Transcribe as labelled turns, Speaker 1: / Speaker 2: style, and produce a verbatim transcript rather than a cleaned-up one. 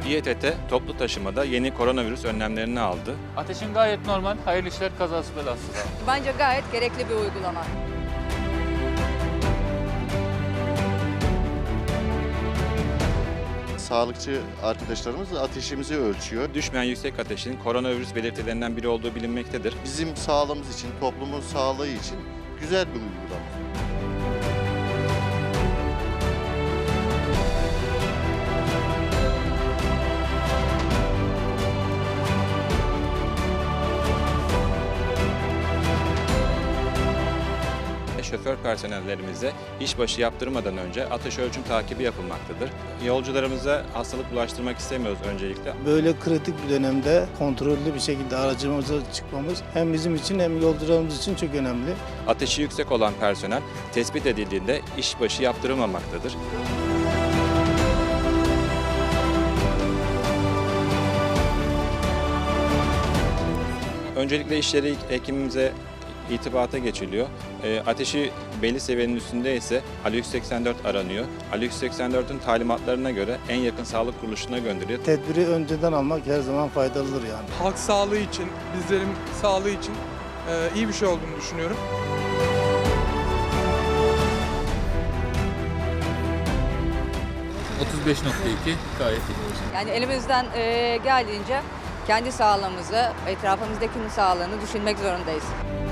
Speaker 1: İETT toplu taşımada yeni koronavirüs önlemlerini aldı.
Speaker 2: Ateşin gayet normal, hayırlı işler, kazası belasız.
Speaker 3: Bence gayet gerekli bir uygulama.
Speaker 4: Sağlıkçı arkadaşlarımız ateşimizi ölçüyor.
Speaker 1: Düşmeyen yüksek ateşin koronavirüs belirtilerinden biri olduğu bilinmektedir.
Speaker 4: Bizim sağlığımız için, toplumun sağlığı için güzel bir uygulama.
Speaker 1: Şoför personellerimize işbaşı yaptırmadan önce ateş ölçüm takibi yapılmaktadır. Yolcularımıza hastalık bulaştırmak istemiyoruz öncelikle.
Speaker 5: Böyle kritik bir dönemde kontrollü bir şekilde aracımıza çıkmamız hem bizim için hem yolcularımız için çok önemli.
Speaker 1: Ateşi yüksek olan personel tespit edildiğinde işbaşı yaptırılmamaktadır. Öncelikle iş yeri hekimimize itibata geçiliyor. E, ateşi belli seviyenin üstünde ise Ali yüz seksen dört aranıyor. Ali yüz seksen dört'ün talimatlarına göre en yakın sağlık kuruluşuna gönderiliyor.
Speaker 5: Tedbiri önceden almak her zaman faydalıdır yani.
Speaker 6: Halk sağlığı için, bizlerin sağlığı için e, iyi bir şey olduğunu düşünüyorum.
Speaker 2: otuz beş nokta iki gayet iyi.
Speaker 3: Yani elimizden e, geldiğince kendi sağlığımızı, etrafımızdakinin sağlığını düşünmek zorundayız.